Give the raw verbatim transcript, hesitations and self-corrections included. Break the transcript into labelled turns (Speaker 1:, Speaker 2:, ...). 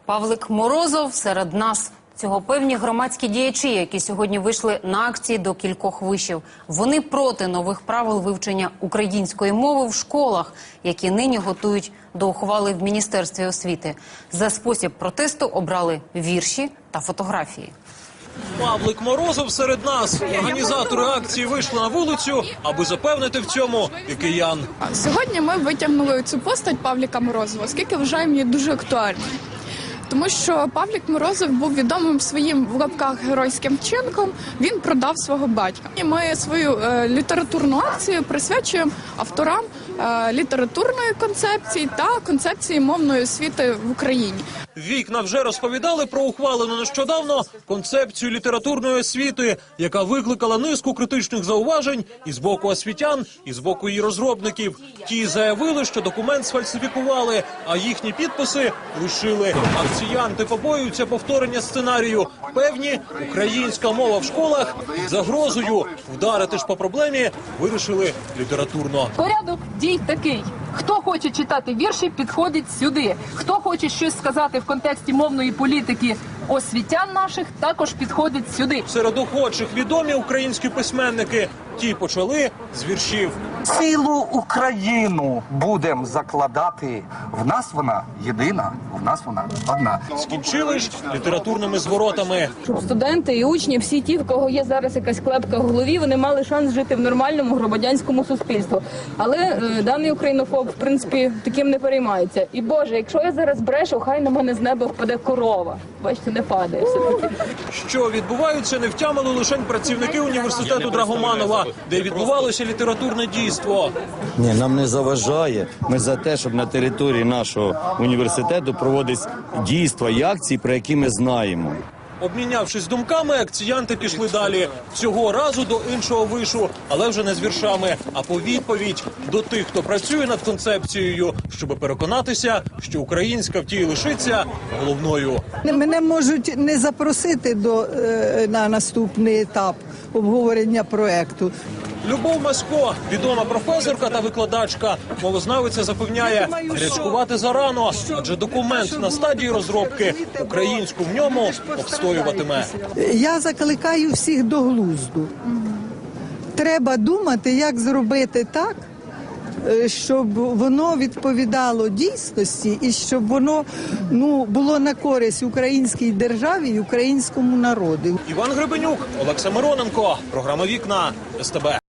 Speaker 1: Павлик Морозов серед нас. Цього певні громадські діячі, які сьогодні вийшли на акції до кількох вишів. Вони проти нових правил вивчення української мови в школах, які нині готують до ухвали в Міністерстві освіти. За спосіб протесту обрали вірші та фотографії.
Speaker 2: Павлик Морозов серед нас. Організатори акції вийшли на вулицю, аби запевнити в цьому і киян.
Speaker 3: Сьогодні ми витягнули цю постать Павлика Морозова, оскільки вважаємо її дуже актуальною. Тому що Павлик Морозов був відомим своїм в лапках геройським вчинком, він продав свого батька. І ми свою е, літературну акцію присвячуємо авторам е, літературної концепції та концепції мовної освіти в Україні.
Speaker 2: Вікна вже розповідали про ухвалену нещодавно концепцію літературної освіти, яка викликала низку критичних зауважень і з боку освітян, і з боку її розробників. Ті заявили, що документ сфальсифікували, а їхні підписи лишили. Акціянти побоюються повторення сценарію. Певні, українська мова в школах під загрозою. Вдарити ж по проблемі вирішили літературно.
Speaker 4: Порядок дій такий. Хто хоче читати вірші, підходить сюди. Хто хоче щось сказати в контексті мовної політики освітян наших, також підходить сюди.
Speaker 2: Серед охочих відомі українські письменники. Ті почали з віршів.
Speaker 5: Цілу Україну будемо закладати. В нас вона єдина, в нас вона одна.
Speaker 2: Скінчили ж літературними зворотами.
Speaker 6: Щоб студенти і учні, всі ті, в кого є зараз якась клепка в голові, вони мали шанс жити в нормальному громадянському суспільстві. Але е, даний українофоб, в принципі, таким не переймається. І, Боже, якщо я зараз брешу, хай на мене з неба впаде корова. Бачите, не падає все-таки.
Speaker 2: Що відбуваються, не втямили лише працівники університету Драгоманова, де відбувалося літературне дійство.
Speaker 7: Ні, нам не заважає. Ми за те, щоб на території нашого університету проводились дійства і акції, про які ми знаємо.
Speaker 2: Обмінявшись думками, акціянти пішли далі. Цього разу до іншого вишу, але вже не з віршами, а по відповідь до тих, хто працює над концепцією, щоб переконатися, що українська в тій лишиться головною.
Speaker 8: Мене можуть не запросити до, на наступний етап обговорення проекту.
Speaker 2: Любов Масько, відома професорка та викладачка, мовознавиця запевняє, гарячкувати зарано, адже документ на стадії розробки українську в ньому обстоюватиме.
Speaker 8: Я закликаю всіх до глузду. Треба думати, як зробити так, щоб воно відповідало дійсності і щоб воно ну, було на користь українській державі і українському народу.
Speaker 2: Іван Гребенюк, Олекса Мироненко, програма «Вікна», ес те бе.